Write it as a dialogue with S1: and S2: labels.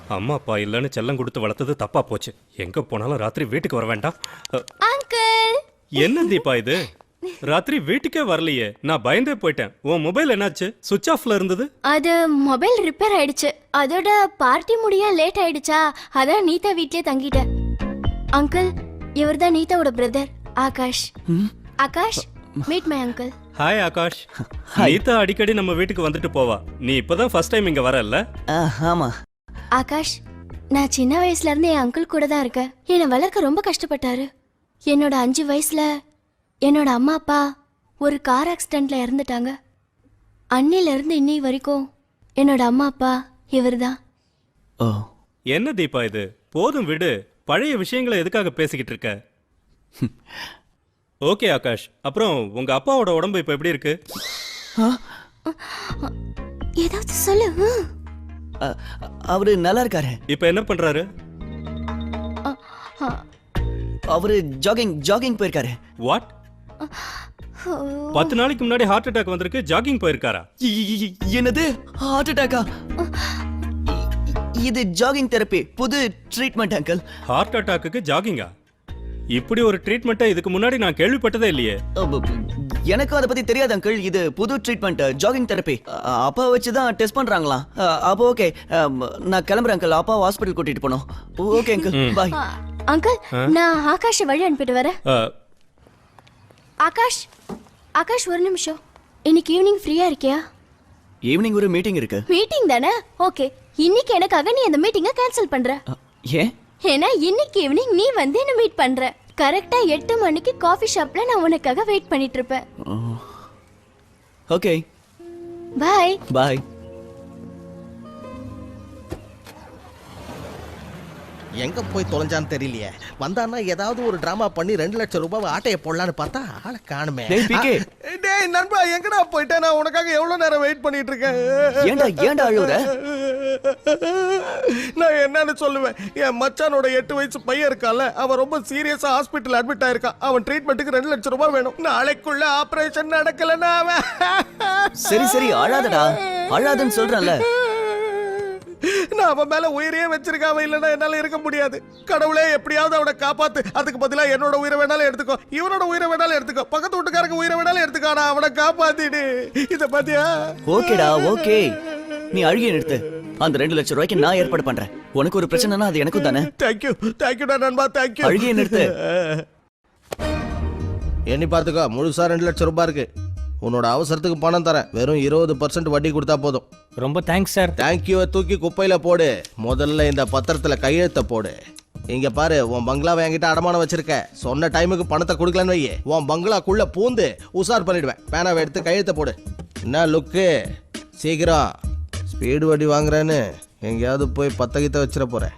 S1: அம்மா அப்பா இல்லைன்னு செல்லம் கொடுத்து வளர்த்தது தப்பா போச்சு. எங்க போனாலும் ராத்திரி வீட்டுக்கு வர வேண்டாம்.
S2: அங்கிள்
S1: என்ன தீபா இது? ராத்திரி வீட்டுக்கே வரலையே, நான் பயந்தே போயிட்டேன். உன் மொபைல் என்னாச்சு? சுவிட்ச் ஆஃப்ல இருந்தது.
S2: அது மொபைல் ரிப்பேர் ஆயிடுச்சு. அதோட பார்ட்டி முடிய லேட் ஆயிடுச்சா, அதான் நீதா வீட்லயே தங்கிட்டேன். அங்கிள், இவர்தான் நீதாவோட brother Akash. Akash, meet my uncle.
S1: Hi Akash. Neetha அடிக்கடி நம்ம வீட்டுக்கு வந்துட்டு போவா. நீ இப்பதான் ஃபர்ஸ்ட் டைம் இங்க வரல?
S3: ஆமா.
S2: ஆகாஷ், நான் சின்ன வயசுல இருந்து என் அங்கிள் கூட தான் இருக்கேன். என்னை வளர்க்க ரொம்ப கஷ்டப்பட்டாரு. என்னோட 5 வயசுல என்னோட அம்மா அப்பா ஒரு கார் ஆக்சிடென்ட்ல இறந்துட்டாங்க. அன்னில இருந்து இன்னி வரைக்கும் என்னோட அம்மா அப்பா இவர்தான்.
S3: ஓ,
S1: என்ன தீபா இது? போதும் விடு. பழைய விஷயங்களை எதுக்காக பேசிக்கிட்டு இருக்க? ஓகே ஆகாஷ், அப்புறம் உங்க அப்பாவோட உடம்பு இப்ப எப்படி இருக்கு?
S2: ஏதாவது சொல்லு.
S3: அவரு நல்லா இருக்காரு.
S1: இப்ப என்ன பண்றாரு?
S3: அவரு ஜாகிங் போயிருக்காரு.
S1: வாட்? 10 நாளைக்கு முன்னாடி ஹார்ட் அட்டாக் வந்திருக்கு, ஜாகிங் போயிருக்காரா?
S3: என்னது, ஹார்ட் அட்டாக்கா? இது ஜாகிங் தெரப்பி, புது ட்ரீட்மெண்ட் அங்கிள்.
S1: ஹார்ட் அட்டாக்குக்கு ஜாகிங்கா? இப்படி ஒரு ட்ரீட்மெண்ட்டை இதுக்கு முன்னாடி நான் கேள்விப்பட்டதே இல்லையே.
S3: எனக்கும் அதை பத்தி தெரியாது அங்கிள். இது புது ட்ரீட்மெண்ட், ஜாகிங் தெரப்பி. அப்பா வச்சு தான் டெஸ்ட் பண்றாங்களாம். அப்போ ஓகே, நான் கிளம்புறேன் அங்கிள். அப்பா ஹாஸ்பிட்டல் கூட்டிட்டு போனோம். ஓகே அங்கிள், பாய்.
S2: அங்கிள், நான் ஆகாஷை வழி அனுப்பிட்டு வரேன். ஆகாஷ், ஆகாஷ் ஒரு நிமிஷம். இன்னைக்கு ஈவினிங் ஃப்ரீயா இருக்கியா?
S3: ஈவினிங் ஒரு மீட்டிங் இருக்கு.
S2: மீட்டிங் தானே? ஓகே, இன்னைக்கு எனக்காக நீ அந்த மீட்டிங்கை கேன்சல் பண்ற.
S3: ஏன்?
S2: ஏன்னா இன்னைக்கு ஈவினிங் நீ வந்து என்ன மீட் பண்ற. கரெக்டா 8 மணிக்கு காஃபி ஷாப்ல நான் உனக்காக வெயிட் பண்ணிட்டு இருப்பேன்.
S3: Okay,
S2: bye.
S3: பாய்.
S4: எங்க போய் தொலைஞ்சான்னு தெரியலையே. வந்தான்னா ஏதாவது ஒரு டிராமா பண்ணி 2 லட்சம் ரூபாய் ஆட்டையை போடலான்னு பார்த்தா ஆளை காணுமே.
S5: டேய் நண்பா, எங்கடா போயிட்டே? நான் உனக்காக எவ்வளவு நேரம் வெயிட் பண்ணிட்டு இருக்கேன்.
S3: ஏன்டா அழுவுற?
S5: நான் என்னன்னு சொல்லுவேன்? என் மச்சானோட 8 வயசு பையன் இருக்கான்ல, அவன் ரொம்ப சீரியஸா ஹாஸ்பிட்டல் அட்மிட் ஆயிருக்கான். அவன் ட்ரீட்மெண்ட்டுக்கு 2 லட்சம் ரூபாய் வேணும். நாளைக்குள்ள ஆபரேஷன் நடக்கலன்னா அவன்.
S3: சரி அழாதடா, அழாதன்னு சொல்றேன்ல.
S5: நான் அவன் மேல உயிரையே வச்சிருக்கான். அவன் இல்லைன்னா என்னால இருக்க முடியாது. கடவுளே, எப்படியாவது அவனை காப்பாத்து. அதுக்கு பதிலா என்னோட உயிரை வேணாலும் எடுத்துக்கோ, இவனோட உயிரை வேணாலும் எடுத்துக்கோ, பக்கத்து வீட்டுக்காரங்க உயிரை வேணாலும் எடுத்துக்கோ. நான் அவனை காப்பாத்திடு. இத பாத்தியா?
S3: ஓகேடா, ஓகே. நீ அழுகிய நிறுத்து. அந்த 2 லட்சம் ரூபாய்க்கு நான் ஏற்பாடு பண்றேன். உனக்கு ஒரு பிரச்சனைனா அது எனக்கும் தானே.
S5: தேங்க்யூடா நண்பா, தேங்க்யூ.
S3: அழுகிய நிறுத்து.
S4: எண்ணி பார்த்துக்கோ, முழுசா 2 லட்சம் ரூபாய் இருக்கு. உன்னோட அவசரத்துக்கு பணம் தரேன். வெறும் 20% வட்டி கொடுத்தா போதும்.
S6: ரொம்ப தேங்க்ஸ் சார்.
S4: தேங்க்யூவை தூக்கி குப்பையில போடு. முதல்ல இந்த பத்திரத்துல கையெழுத்த போடு. இங்க பாரு, உன் பங்களாவை என்கிட்ட அடமானம் வச்சிருக்க. சொன்ன டைமுக்கு பணத்தை கொடுக்கலன்னு வையே, உன் பங்களாக்குள்ள பூந்து உசார் பண்ணிடுவேன். பேனாவை எடுத்து கையெழுத்த போடு. என்ன லுக்கு? சீக்கிரம். ஸ்பீடு வட்டி வாங்குறேன்னு எங்கேயாவது போய் பத்தகித்த வச்சிட போறேன்.